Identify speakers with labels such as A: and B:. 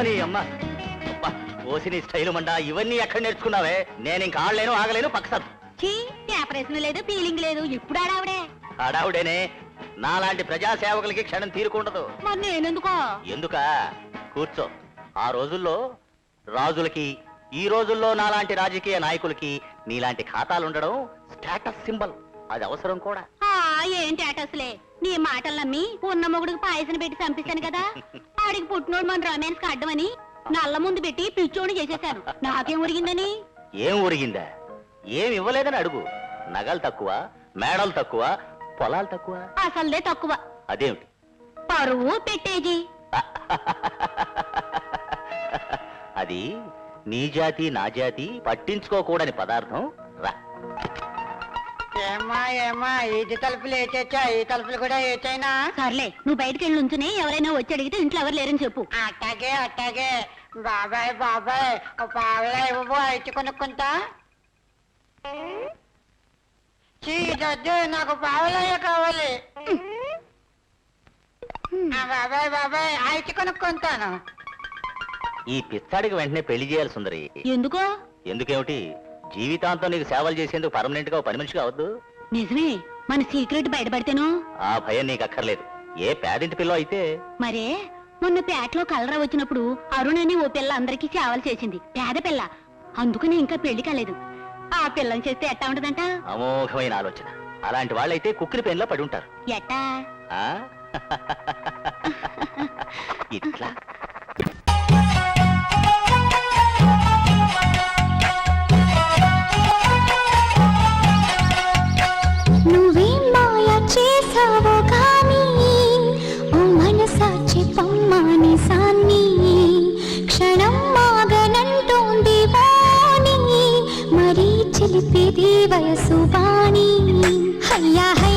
A: అమ్మని అమ్మ ఓసిని స్టైలు మండా ఇవన్నీ ఎక్కడ నేర్చుకున్నావే? నేను ఇంకా ఆడలేను ఆగలేను పక్కసారి.
B: ప్రశ్న లేదు ఫీలింగ్ లేదు ఇప్పుడు ఆడావిడే.
A: ఆడావుడేనే నాలాంటి ప్రజాసేవకులకి క్షణం తీరుకుండదు.
B: మరి నేనెందుకో?
A: ఎందుకా? కూర్చో. ఆ రోజుల్లో రాజులకి ఈ రోజుల్లో నాలాంటి రాజకీయ నాయకులకి నీలాంటి ఖాతాలుండడం స్టేటస్ సింబల్. అది అవసరం కూడా.
B: ఏంటి అటస్లే నీ మాటలు నమ్మి ఉన్న మొగుడికి పాయసం పెట్టి చంపిస్తాను కదా. ఆడికి పుట్టినోడు మన రొమాన్స్ అడ్డమని నల్ల ముందు పెట్టి పిచ్చోడు చేసేశాను. నాకేం ఉరిగిందని?
A: ఏం ఉరిగిందా? ఏం ఇవ్వలేదని అడుగు. నగలు తక్కువ, మేడలు తక్కువ, పొలాలు తక్కువ.
B: అసలుదే తక్కువ.
A: అదేమిటి?
B: పరువు పెట్టేజీ.
A: అది నీ జాతి నా జాతి పట్టించుకోకూడని పదార్థం. రా.
C: ఏమ్మా ఏమ్మా ఇది తలుపులు వేసేచ్చా? ఈ తలుపులు కూడా వేచైనా?
B: సర్లే నువ్వు బయటకు వెళ్ళి ఉంచునే. ఎవరైనా వచ్చి అడిగితే ఇంట్లో ఎవరు లేరని చెప్పు.
C: అట్టాగే అట్టాగే. బాబాయ్ బాబాయ్ పావలా ఇవ్వు అయితే కొనుక్కుంటా. చీదొద్దు నాకు పావలయ్య కావాలి. బాబాయ్ బాబాయ్ అయితే కొనుక్కుంటాను.
A: ఈ పిచ్చాడికి వెంటనే పెళ్లి చేయాలి సుందరి.
B: ఎందుకో?
A: ఎందుకేమిటి? జీవితాంతం నీకు సేవలు చేసేందుకు పర్మనెంట్ గా పని మనిషిగా అవద్దు.
B: నిజమే. మన సీక్రెట్ బయటపడితేను
A: ఆ భయం నీకు అక్కర్లేదు. ఏ పేదింటి పిల్ల అయితే.
B: మరే మొన్న పేటలో కలరా వచ్చినప్పుడు అరుణ్ అని ఓ పిల్ల అందరికీ సేవలు చేసింది. పేద పిల్ల. అందుకని ఇంకా పెళ్లి కాలేదు. ఆ పిల్లని చేస్తే ఎట్టా ఉంటదంట?
A: అమోఘమైన ఆలోచన. అలాంటి వాళ్ళైతే కుక్కిరి పెన్లో పడి ఉంటారు.
B: ఎట్టా?
A: ఇట్లా
D: నువ్వేం మాయా చేసావో కానీ ఓ మనసాచి పమ్మాని సాన్ని క్షణం మాగనంటోంది వాణి మరీ చిలిపిది వయసు వాణి హయ్యా